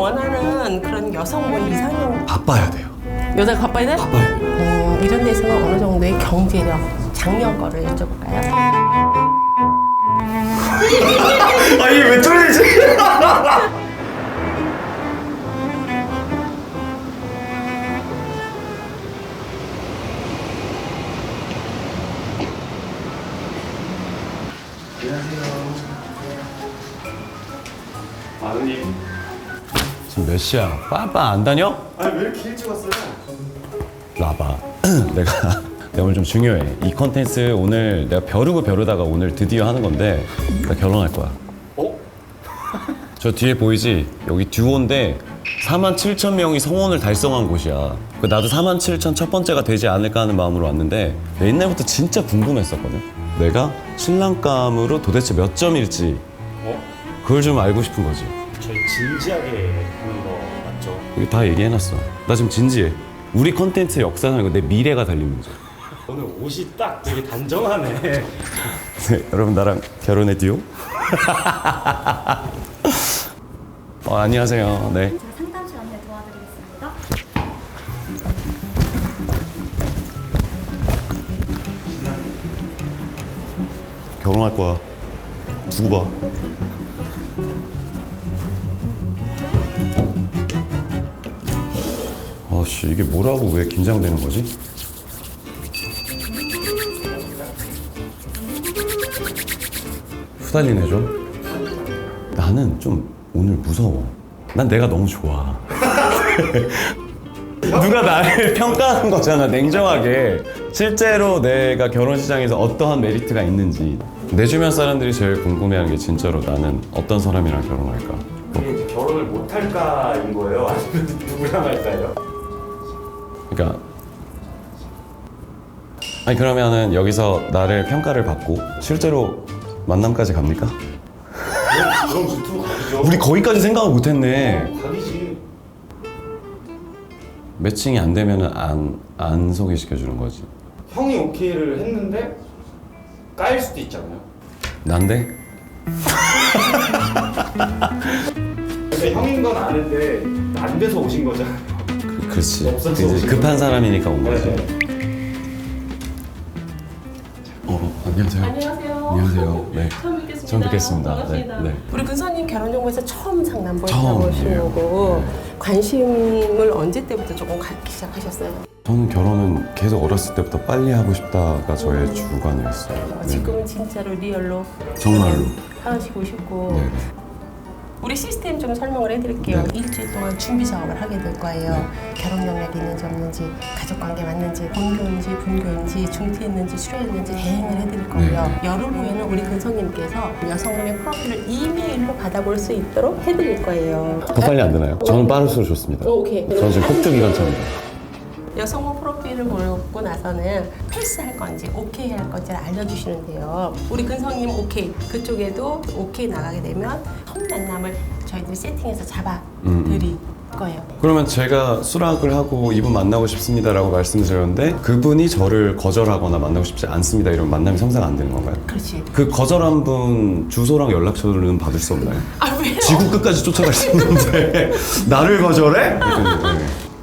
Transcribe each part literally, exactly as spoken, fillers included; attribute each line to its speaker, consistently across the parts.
Speaker 1: 원하는 그런 여성분 이상형
Speaker 2: 바빠야 돼요.
Speaker 1: 여자가 바빠야 돼?
Speaker 2: 바빠야 돼요.
Speaker 1: 음, 이런 데서는 어느 정도의 경제력, 작년 거를 여쭤볼까요?
Speaker 2: 아 이게 왜 쫄리지?
Speaker 3: 아드님.
Speaker 2: 지금 몇 시야? 빠빠 안 다녀?
Speaker 3: 아니 왜 이렇게 일찍 왔어요?
Speaker 2: 나봐. 내가 내가 오늘 좀 중요해. 이 컨텐츠 오늘 내가 벼르고 벼르다가 오늘 드디어 하는 건데 나 결혼할 거야.
Speaker 3: 어?
Speaker 2: 저 뒤에 보이지? 여기 듀오인데 사만 칠천 명이 성원을 달성한 곳이야. 그 나도 사만 칠천 첫 번째가 되지 않을까 하는 마음으로 왔는데 내가 옛날부터 진짜 궁금했었거든. 내가 신랑감으로 도대체 몇 점일지
Speaker 3: 어?
Speaker 2: 그걸 좀 알고 싶은 거지.
Speaker 3: 저희 진지하게 하는 거 맞죠?
Speaker 2: 여기 다 얘기해놨어. 나 지금 진지해. 우리 컨텐츠 역사는 이거 내 미래가 달린 문제.
Speaker 3: 오늘 옷이 딱 되게 단정하네.
Speaker 2: 네, 여러분 나랑 결혼해 듀오? 어, 안녕하세요. 네.
Speaker 4: 제가 상담실 안내 도와드리겠습니다.
Speaker 2: 결혼할 거야. 두고 봐. 아씨 이게 뭐라고 왜 긴장되는 거지? 후달리네 좀. 나는 좀 오늘 무서워. 난 내가 너무 좋아. 누가 나를 평가하는 거잖아, 냉정하게. 실제로 내가 결혼시장에서 어떠한 메리트가 있는지. 내 주변 사람들이 제일 궁금해하는 게 진짜로 나는 어떤 사람이랑 결혼할까?
Speaker 3: 이게 이제 결혼을 못 할까인 거예요? 아니면 누구랑 할까요?
Speaker 2: 그러니까 아니 그러면은 여기서 나를 평가를 받고 실제로 만남까지 갑니까?
Speaker 3: 그럼 유튜브 가기죠.
Speaker 2: 우리 거기까지 생각을 못했네.
Speaker 3: 가기지.
Speaker 2: 매칭이 안 되면은 안, 안 소개시켜 주는 거지.
Speaker 3: 형이 오케이를 했는데 까일 수도 있잖아요.
Speaker 2: 난데?
Speaker 3: 그러니까 형인 건 아는데 안 돼서 오신 거잖아요.
Speaker 2: 그, 그렇지.
Speaker 3: 없어서
Speaker 2: 이제
Speaker 3: 오신
Speaker 2: 급한
Speaker 3: 거지.
Speaker 2: 사람이니까 온 거지.
Speaker 3: 네.
Speaker 2: 어, 안녕하세요.
Speaker 1: 안녕하세요.
Speaker 2: 안녕하세요. 네.
Speaker 1: 처음 뵙겠습니다.
Speaker 2: 처음 뵙겠습니다.
Speaker 1: 반갑습니다.
Speaker 2: 네, 네.
Speaker 1: 우리 근사님 결혼정보에서 처음 상담
Speaker 2: 처음이에요.
Speaker 1: 보신 거고
Speaker 2: 네.
Speaker 1: 관심을 언제 때부터 조금 갖기 시작하셨어요?
Speaker 2: 저는 결혼은 계속 어렸을 때부터 빨리 하고 싶다가 저의 주관이었어요.
Speaker 1: 어,
Speaker 2: 네.
Speaker 1: 지금은 진짜로 리얼로
Speaker 2: 정말로.
Speaker 1: 하시고 싶고
Speaker 2: 네.
Speaker 1: 우리 시스템 좀 설명을 해드릴게요.
Speaker 2: 네.
Speaker 1: 일주일 동안 준비 작업을 하게 될 거예요.
Speaker 2: 네.
Speaker 1: 결혼 경력이 있는지 없는지, 가족 관계 맞는지, 본교인지 분교인지, 중퇴했는지 수료했는지 대행을 해드릴 거고요.
Speaker 2: 네.
Speaker 1: 열흘 후에는 우리 근성님께서 여성분의 프로필을 이메일로 받아볼 수 있도록 해드릴 거예요.
Speaker 2: 더 빨리 안 되나요? 저는 빠를수록 좋습니다.
Speaker 1: 어, 오케이.
Speaker 2: 저는 지금 폭주 기관차입니다.
Speaker 1: 여성분 프로필을 보고 나서는 패스할 건지 오케이 할 건지를 알려주시는데요. 우리 근성님 오케이, 그쪽에도 오케이 나가게 되면 첫 만남을 저희들이 세팅해서 잡아드릴 거예요.
Speaker 2: 그러면 제가 수락을 하고 이분 만나고 싶습니다라고 말씀드렸는데 그분이 저를 거절하거나 만나고 싶지 않습니다 이러면 만남이 성사가 안 되는 건가요?
Speaker 1: 그렇지.
Speaker 2: 그 거절한 분 주소랑 연락처는 받을 수 없나요?
Speaker 1: 아, 왜요?
Speaker 2: 지구 끝까지 쫓아갈 수 있는데 나를 거절해? 그랬더니, 네.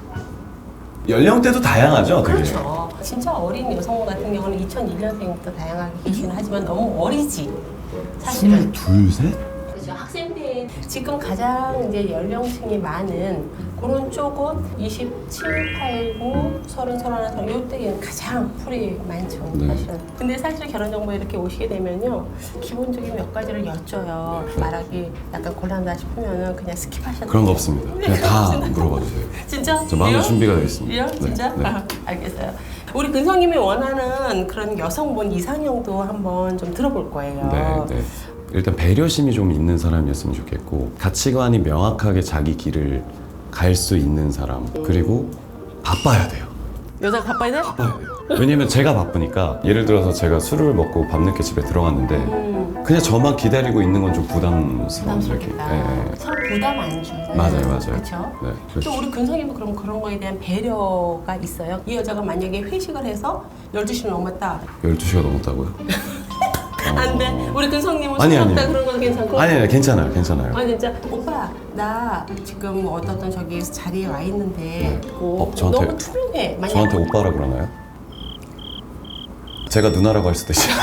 Speaker 2: 연령대도 다양하죠, 되게.
Speaker 1: 그렇죠. 진짜 어린 여성분 같은 경우는 이천일 년생부터 다양하게 계시긴 하지만 너무 어리지. 사실은.
Speaker 2: 둘, 셋?
Speaker 1: 그렇죠. 학생 때 지금 가장 이제 연령층이 많은 그런 쪽은 이십칠, 팔, 구, 서른, 서른하나, 서른 요때는 가장 풀이 많죠.
Speaker 2: 네.
Speaker 1: 사실은. 근데 사실 결혼 정보에 이렇게 오시게 되면요. 기본적인 몇 가지를 여쭤요. 말하기 약간 곤란하다 싶으면은 그냥 스킵하셔도
Speaker 2: 그런 거
Speaker 1: 돼요.
Speaker 2: 없습니다. 그냥 다 물어봐 주세요.
Speaker 1: 진짜?
Speaker 2: 저 마음의
Speaker 1: 리얼?
Speaker 2: 준비가 되어 있습니다.
Speaker 1: 리얼?
Speaker 2: 네,
Speaker 1: 진짜?
Speaker 2: 네.
Speaker 1: 아, 알겠어요. 우리 근성님이 원하는 그런 여성분 이상형도 한번 좀 들어볼 거예요.
Speaker 2: 네, 네. 일단 배려심이 좀 있는 사람이었으면 좋겠고 가치관이 명확하게 자기 길을 갈 수 있는 사람 그리고 바빠야 돼요.
Speaker 1: 여자가 바빠야 돼?
Speaker 2: 바빠야 돼요. 왜냐면 제가 바쁘니까 예를 들어서 제가 술을 먹고 밤늦게 집에 들어갔는데
Speaker 1: 음,
Speaker 2: 그냥 저만 기다리고 있는 건 좀 부담스러운 이렇게.
Speaker 1: 부담스럽겠다.
Speaker 2: 예, 예.
Speaker 1: 서로 부담 안 주잖아요.
Speaker 2: 맞아요, 맞아요.
Speaker 1: 그렇죠?
Speaker 2: 네,
Speaker 1: 또
Speaker 2: 그렇죠.
Speaker 1: 우리 근성님은 그럼 그런 거에 대한 배려가 있어요. 이 여자가 만약에 회식을 해서 열두 시를 넘었다.
Speaker 2: 열두 시가 넘었다고요?
Speaker 1: 안 돼. 우리 근성님은
Speaker 2: 아니,
Speaker 1: 술 먹다
Speaker 2: 아니.
Speaker 1: 그런 건 괜찮고.
Speaker 2: 아니 아니 괜찮아요 괜찮아요.
Speaker 1: 아니 진짜 오빠 나 지금 어떤 저기 자리에 와 있는데 뭐
Speaker 2: 어, 저한테-
Speaker 1: 너무 투명해. 만약
Speaker 2: 저한테 오빠라 그러나요? 제가 누나라고 할 수도 있어요.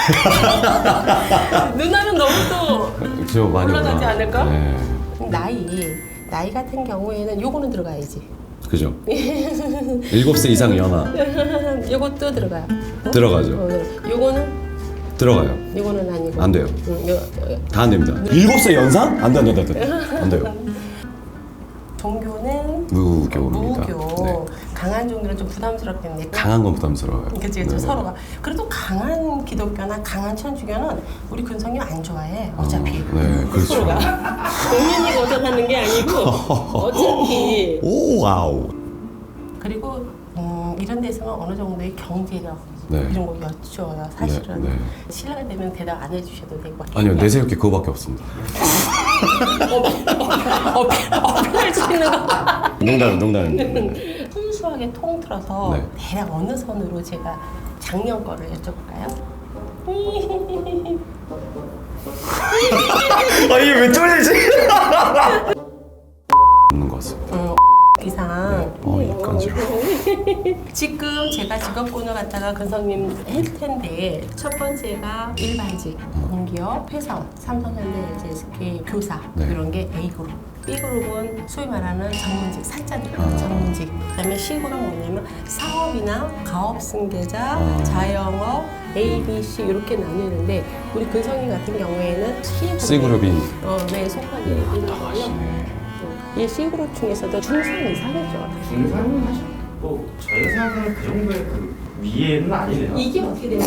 Speaker 1: 누나는 너무 또
Speaker 2: 저 많이
Speaker 1: 올라가지
Speaker 2: 올라가-
Speaker 1: 않을까?
Speaker 2: 네.
Speaker 1: 나이 나이 같은 경우에는 요거는 들어가야지.
Speaker 2: 그죠? 일곱 세 이상 연하
Speaker 1: 요것도 들어가요. 어?
Speaker 2: 들어가죠.
Speaker 1: 어, 네. 요거는
Speaker 2: 들어가요.
Speaker 1: 요거는 아니고.
Speaker 2: 안 돼요.
Speaker 1: 응, 요, 요,
Speaker 2: 다 안 됩니다. 일곱 세 연상? 안 돼, 안 돼, 안 돼. 안 돼요.
Speaker 1: 종교는
Speaker 2: 무교입니다.
Speaker 1: 무교.
Speaker 2: 네.
Speaker 1: 강한 종교는 좀 부담스럽겠네.
Speaker 2: 강한 건 부담스러워요.
Speaker 1: 그치, 그치,
Speaker 2: 네.
Speaker 1: 서로가. 그래도 강한 기독교나 강한 천주교는 우리 근성이 안 좋아해, 어차피.
Speaker 2: 어, 네, 그렇죠.
Speaker 1: 서로가. 본인이 거절하는 게 아니고, 어차피.
Speaker 2: 오, 와우.
Speaker 1: 그리고, 음, 이런 데서는 어느 정도의 경제력,
Speaker 2: 네.
Speaker 1: 이런 거 여쭤요, 사실은.
Speaker 2: 네, 네.
Speaker 1: 신뢰가 되면 대답 안 해주셔도 되고.
Speaker 2: 아니요, 내세울 게 그거밖에 없습니다.
Speaker 1: 어필, 어필할 수 있는 거.
Speaker 2: 농담, 농담.
Speaker 1: 순수하게 통틀어서
Speaker 2: 네.
Speaker 1: 대략 어느 선으로 제가 작년 거를 여쭤볼까요?
Speaker 2: 아, 이게 왜 쫄리지? 없는 것 같습니다.
Speaker 1: 음, 이상.
Speaker 2: 어, 이 간지러.
Speaker 1: 지금 제가 직업군을 갖다가 근성님 할 텐데 첫 번째가 일반직, 공기업, 회사원, 삼성현대, 에스케이, 교사
Speaker 2: 네.
Speaker 1: 이런 게 A그룹. B그룹은 소위 말하는 전문직, 사자들
Speaker 2: 아.
Speaker 1: 전문직. 그다음에 C그룹은 뭐냐면 사업이나 가업승계자,
Speaker 2: 아.
Speaker 1: 자영업, A, B, C 이렇게 나뉘는데 우리 근성이 같은 경우에는 C그룹.
Speaker 2: C그룹이
Speaker 1: 어, 네, 속하게 되는 거고요. 이 C그룹 중에서도 중상 이상이죠.
Speaker 3: 중상은 사실 뭐 저희가 생각하는 그 정도의 그 위에는 아니네요.
Speaker 1: 이게 어떻게 되는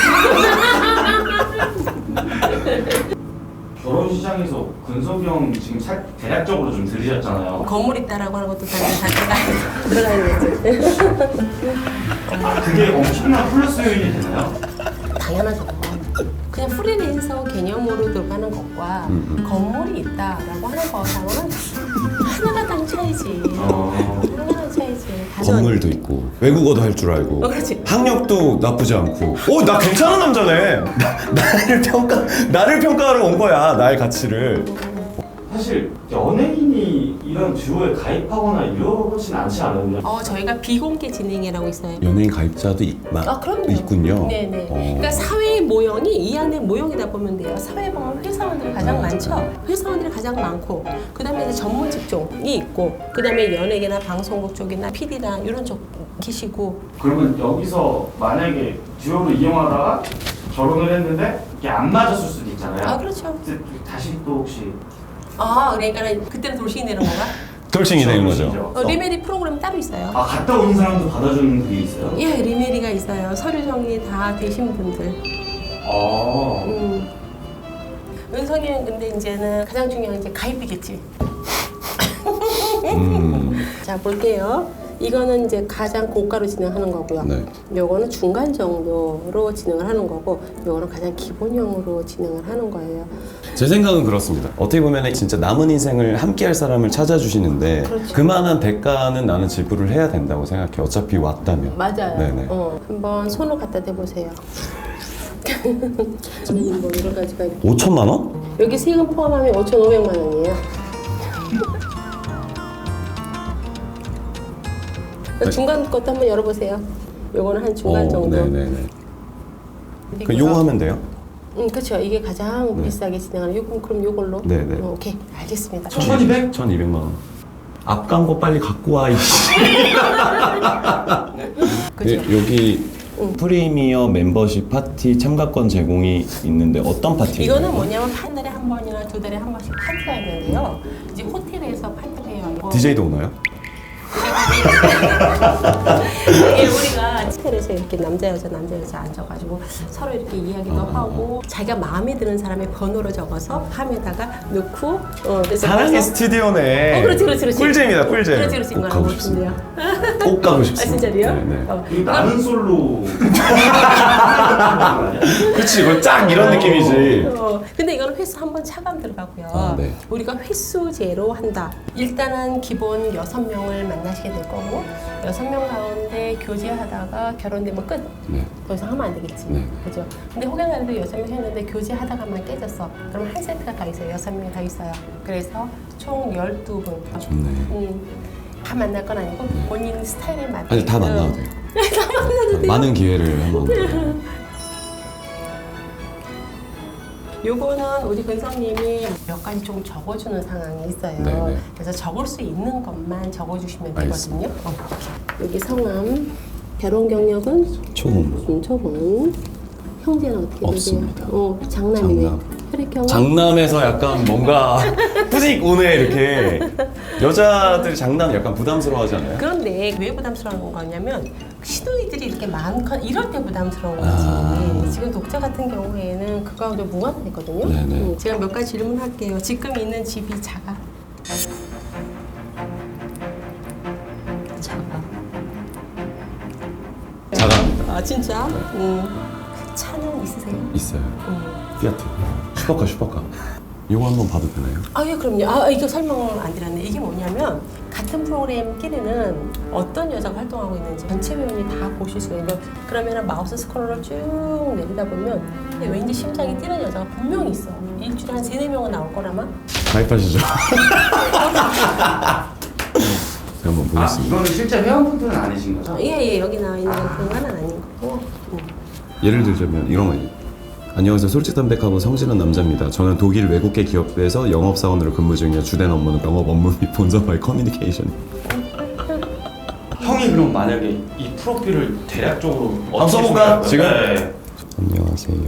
Speaker 3: 결혼 시장에서 근석이 형 지금 살 대략적으로 좀 들으셨잖아요.
Speaker 1: 건물 있다라고 하는 것도 다 들어가야 되지.
Speaker 3: 아, 그게 엄청난 플러스 요인이 되나요?
Speaker 1: 당연하죠. 그냥 프리랜서 개념으로 들어가는 것과
Speaker 2: 음, 음.
Speaker 1: 건물이 있다라고 하는 거하고는 하나가 당 차이지.
Speaker 3: 어.
Speaker 1: 하나가 차이지.
Speaker 2: 건물도 있고 외국어도 할 줄 알고
Speaker 1: 어, 그렇지.
Speaker 2: 학력도 나쁘지 않고 오, 나 괜찮은 남자네. 나, 나를 평가 나를 평가하러 온 거야. 나의 가치를.
Speaker 3: 사실 연예인이 이런 듀오에 가입하거나 이러진 않지 않았나요?
Speaker 1: 어, 저희가 비공개 진행이라고 있어요.
Speaker 2: 연예인 가입자도 있, 마,
Speaker 1: 아, 그럼요.
Speaker 2: 있군요.
Speaker 1: 네네.
Speaker 2: 어.
Speaker 1: 그러니까 사회의 모형이 이 안에 모형이다 보면 돼요. 사회에 보면 회사원들이 가장 많죠. 회사원들이 가장 많고, 그 다음에 이제 전문 직종이 있고, 그 다음에 연예계나 방송국 쪽이나 피디나 이런 쪽 계시고.
Speaker 3: 그러면 여기서 만약에 듀오를 이용하다가 결혼을 했는데 이게 안 맞았을 수도 있잖아요.
Speaker 1: 아, 그렇죠.
Speaker 3: 그때 다시 또 혹시
Speaker 1: 아, 그러니까 그때는 돌싱이 되는 건가?
Speaker 2: 돌싱이 되는
Speaker 3: 그렇죠,
Speaker 2: 거죠.
Speaker 1: 어, 리메리 프로그램 따로 있어요.
Speaker 3: 아 갔다 온 사람도 받아주는 그게 있어요?
Speaker 1: 예, 리메리가 있어요. 서류 정리 다 되신 분들.
Speaker 3: 아
Speaker 1: 음. 은성이는 근데 이제는 가장 중요한 게 가입비겠지.
Speaker 2: 음.
Speaker 1: 자, 볼게요. 이거는 이제 가장 고가로 진행하는 거고요.
Speaker 2: 네.
Speaker 1: 요거는 중간 정도로 진행을 하는 거고, 요거는 가장 기본형으로 진행을 하는 거예요.
Speaker 2: 제 생각은 그렇습니다. 어떻게 보면 진짜 남은 인생을 함께할 사람을 찾아주시는데
Speaker 1: 그렇죠.
Speaker 2: 그만한 대가는 나는 지불을 해야 된다고 생각해. 어차피 왔다면.
Speaker 1: 맞아요.
Speaker 2: 네네.
Speaker 1: 어, 한번 손을 갖다 대보세요. 저는 뭐 여러 가지가 이렇게.
Speaker 2: 오천만 원?
Speaker 1: 여기 세금 포함하면 오천오백만 원이에요. 중간 것도 한번 열어보세요. 요거는 한 중간
Speaker 2: 어,
Speaker 1: 정도.
Speaker 2: 네네네. 그 요거 하면 돼요?
Speaker 1: 응, 그렇죠. 이게 가장
Speaker 2: 네.
Speaker 1: 비싸게 진행하는 요금 그럼 요걸로.
Speaker 2: 네네.
Speaker 1: 어, 오케이, 알겠습니다.
Speaker 3: 천이백?
Speaker 2: 천이백만 원. 앞 광고 빨리 갖고 와, 이씨.
Speaker 1: 그죠?
Speaker 2: 예, 여기
Speaker 1: 응.
Speaker 2: 프리미어 멤버십 파티 참가권 제공이 있는데 어떤 파티예요?
Speaker 1: 이거는 뭐냐면 한 달에 한 번이나 두 달에 한 번씩 파티가 있는데요. 이제 호텔에서 파티를 해요. 이거
Speaker 2: 디제이도 오나요?
Speaker 1: 이게 우리가 호텔에서 이렇게 남자 여자 남자 여자 앉아가지고 서로 이렇게 이야기도
Speaker 2: 아.
Speaker 1: 하고 자기가 마음에 드는 사람의 번호를 적어서 함에다가 넣고 어, 그래서
Speaker 2: 사랑의
Speaker 1: 거기서-
Speaker 2: 스튜디오네.
Speaker 1: 어, 그렇지, 그렇지, 그렇지.
Speaker 2: 꿀잼이다, 꿀잼.
Speaker 1: 그렇지, 그렇지.
Speaker 2: 꼭
Speaker 1: 이거
Speaker 2: 가고
Speaker 1: 알고
Speaker 2: 싶습니다.
Speaker 1: 싶은데요.
Speaker 2: 꼭 가고
Speaker 1: 아,
Speaker 2: 싶습니다.
Speaker 1: 진짜로요?
Speaker 2: 네네.
Speaker 1: 어.
Speaker 3: 이거 나는 솔로
Speaker 2: 그치, 이거 쫙 이런 느낌이지.
Speaker 1: 어, 근데 이거는 횟수 한 번 차감 들어가고요.
Speaker 2: 아, 네.
Speaker 1: 우리가 횟수제로 한다. 일단은 기본 여섯 명을 만나시게 될 거고 여섯 명 가운데 교제하다가 하다가 결혼되면 끝.
Speaker 2: 네.
Speaker 1: 더 이상 하면 안 되겠지.
Speaker 2: 네.
Speaker 1: 그죠? 근데 혹여나라도 여섯 명 했는데 교제하다가만 깨졌어. 그럼 한 세트가 더 있어요. 여섯 명이 더 있어요. 그래서 총 열두 분.
Speaker 2: 좋네.
Speaker 1: 음, 다 만날 건 아니고 본인 스타일에 맞게.
Speaker 2: 아니 다 만나도 돼요.
Speaker 1: 다 만나도 돼요.
Speaker 2: 많은 기회를 한번.
Speaker 1: 요거는 우리 근성님이 몇 가지 좀 적어주는 상황이 있어요.
Speaker 2: 네네.
Speaker 1: 그래서 적을 수 있는 것만 적어주시면 되거든요.
Speaker 2: 알겠습니다.
Speaker 1: 어, 여기 성함, 결혼 경력은
Speaker 2: 초혼.
Speaker 1: 음, 초혼, 형제는 어떻게
Speaker 2: 없습니다.
Speaker 1: 되세요? 어, 장남이네.
Speaker 2: 장남.
Speaker 1: 혈액형은
Speaker 2: 장남에서 약간 뭔가 뿌직 오네 이렇게. 여자들이 장남 약간 부담스러워하잖아요.
Speaker 1: 그런데 왜 부담스러운 거냐면 시누이들이 이렇게 많건 이럴 때 부담스러운 거지.
Speaker 2: 아.
Speaker 1: 지금 독자 같은 경우에는 그거하고 무관하거든요.
Speaker 2: 네네.
Speaker 1: 음, 제가 몇 가지 질문할게요. 지금 있는 집이 작아? 작아.
Speaker 2: 작아합니다.
Speaker 1: 아 진짜? 음. 차는 있으세요?
Speaker 2: 있어요.
Speaker 1: 음.
Speaker 2: 피아트. 슈퍼카 슈퍼카. 이거 한번 봐도 되나요?
Speaker 1: 아, 예, 그럼요. 아, 이거 설명을 안 드렸네. 이게 뭐냐면 같은 프로그램끼리는 어떤 여자가 활동하고 있는지 전체 회원이 다 보실 수가 있는. 그러면 마우스 스크롤을 쭉 내리다 보면 왠지 심장이 뛰는 여자가 분명히 있어. 일주일에 한 세네 명은 나올 거라마?
Speaker 2: 가입하시죠. 제가 한번
Speaker 3: 아,
Speaker 2: 보겠습니다.
Speaker 3: 이거는 실제 회원분들은 아니신 거죠?
Speaker 1: 어, 예, 예. 여기 나와 있는 그런 건 아닌 거고. 음.
Speaker 2: 예를 들자면 이런 거 있- 안녕하세요. 솔직담백하고 성실한 남자입니다. 저는 독일 외국계 기업에서 영업사원으로 근무 중이며 주된 업무는 영업 업무 및 본사와의 커뮤니케이션.
Speaker 3: 형이 그럼 만약에 이 프로필을 대략적으로
Speaker 2: 한번 써볼까요?
Speaker 3: 소개할까요?
Speaker 2: 지금?
Speaker 3: 네.
Speaker 2: 안녕하세요.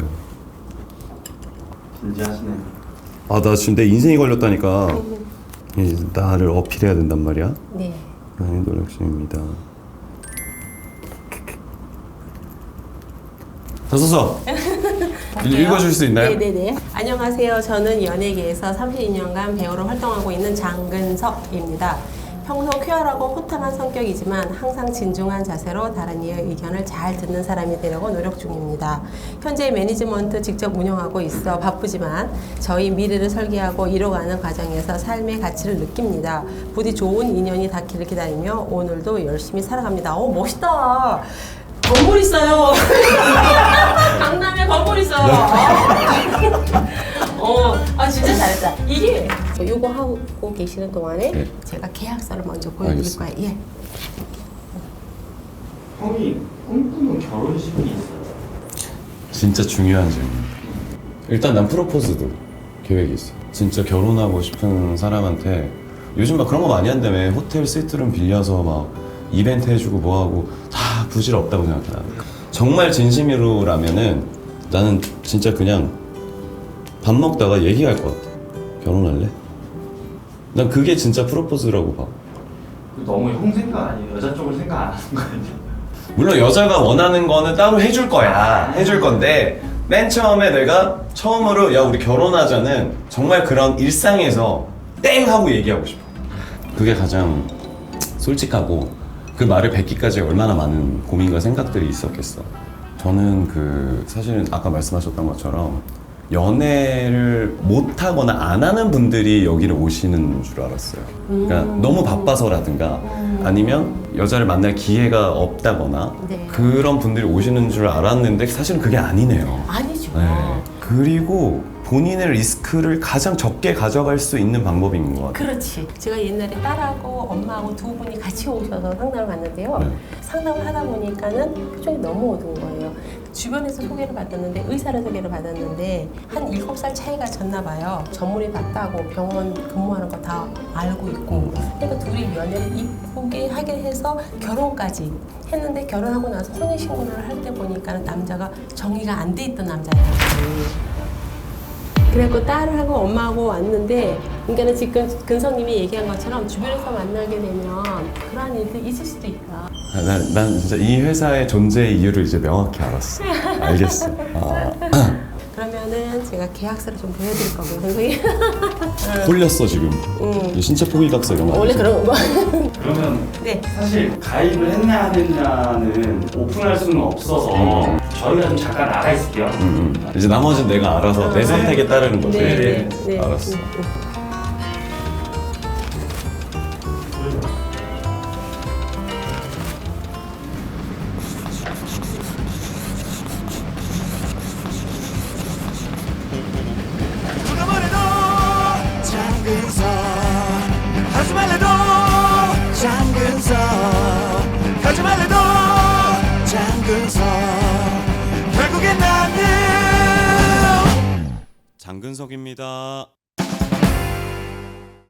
Speaker 3: 진지하시네.
Speaker 2: 아, 나 지금 내 인생이 걸렸다니까. 이제 나를 어필해야 된단 말이야.
Speaker 1: 네.
Speaker 2: 많이 노력 중입니다. 다 써서 읽어줄 수 있나요?
Speaker 1: 네네네. 안녕하세요. 저는 연예계에서 삼십이 년간 배우로 활동하고 있는 장근석입니다. 평소 쾌활하고 호탕한 성격이지만 항상 진중한 자세로 다른 이의 의견을 잘 듣는 사람이 되려고 노력 중입니다. 현재 매니지먼트 직접 운영하고 있어 바쁘지만 저희 미래를 설계하고 이뤄가는 과정에서 삶의 가치를 느낍니다. 부디 좋은 인연이 닿기를 기다리며 오늘도 열심히 살아갑니다. 오, 멋있다. 건물 있어요. 강남에 건물 있어요. 어, 아 진짜 잘했다. 이게 요거 하고 계시는 동안에
Speaker 2: 네.
Speaker 1: 제가 계약서를 먼저 보여드릴
Speaker 2: 알겠습니다.
Speaker 1: 거예요. 예.
Speaker 3: 형이 꿈꾸는 결혼식이 있어요?
Speaker 2: 진짜 중요한 질문. 일단 난 프로포즈도 계획이 있어. 진짜 결혼하고 싶은 사람한테 요즘 막 그런 거 많이 한다며. 호텔 스위트룸 빌려서 막 이벤트 해주고 뭐하고 다 부질없다고 생각해. 나는. 정말 진심으로라면은 나는 진짜 그냥 밥 먹다가 얘기할 것 같아. 결혼할래? 난 그게 진짜 프로포즈라고 봐.
Speaker 3: 너무 형 생각 아니에요? 여자 쪽을 생각 안 하는 거 아니에요?
Speaker 2: 물론 여자가 원하는 거는 따로 해줄 거야. 해줄 건데 맨 처음에 내가 처음으로 야 우리 결혼하자는 정말 그런 일상에서 땡 하고 얘기하고 싶어. 그게 가장 솔직하고 그 말을 뱉기까지 얼마나 많은 고민과 생각들이 있었겠어. 저는 그 사실은 아까 말씀하셨던 것처럼 연애를 못 하거나 안 하는 분들이 여기를 오시는 줄 알았어요. 그러니까
Speaker 1: 음.
Speaker 2: 너무 바빠서라든가
Speaker 1: 음.
Speaker 2: 아니면 여자를 만날 기회가 없다거나
Speaker 1: 네.
Speaker 2: 그런 분들이 오시는 줄 알았는데 사실은 그게 아니네요.
Speaker 1: 아니죠.
Speaker 2: 네. 그리고 본인의 리스크를 가장 적게 가져갈 수 있는 방법인 것 같아요.
Speaker 1: 그렇지. 제가 옛날에 딸하고 엄마하고 두 분이 같이 오셔서 상담을 받는데요.
Speaker 2: 네.
Speaker 1: 상담을 하다 보니까는 표정이 너무 어두운 거예요. 주변에서 소개를 받았는데 의사를 소개를 받았는데 한 일곱 살 차이가 졌나 봐요. 전문의 봤다고 병원 근무하는 거 다 알고 있고. 그러니까 둘이 연애를 이쁘게 하게 해서 결혼까지 했는데 결혼하고 나서 혼인신고를 할 때 보니까는 남자가 정리가 안 돼 있던 남자예요. 그래갖고 딸하고 엄마하고 왔는데, 그러니까는 지금 근성님이 얘기한 것처럼 주변에서 만나게 되면 그러한 일들이 있을 수도 있다.
Speaker 2: 아, 난, 난 진짜 이 회사의 존재의 이유를 이제 명확히 알았어. 알겠어. 아,
Speaker 1: 그러면은 제가 계약서를 좀 보여드릴 거고요, 근성이.
Speaker 2: 홀렸어 지금.
Speaker 1: 음.
Speaker 2: 이 신체 포기각서 이런 거
Speaker 1: 원래
Speaker 2: 아니지?
Speaker 1: 그런 거.
Speaker 3: 그러면
Speaker 1: 네.
Speaker 3: 사실 가입을 했냐 안 했냐는 오픈할 수는 없어서
Speaker 2: 음.
Speaker 3: 저희가 좀 잠깐 나가 있을게요.
Speaker 2: 음, 음. 이제 나머지는 내가 알아서 내
Speaker 1: 네.
Speaker 2: 선택에 따르는 거지.
Speaker 1: 네, 네, 네.
Speaker 2: 알았어.
Speaker 1: 음, 음.
Speaker 5: 장근석 결국엔 나는
Speaker 2: 장근석입니다.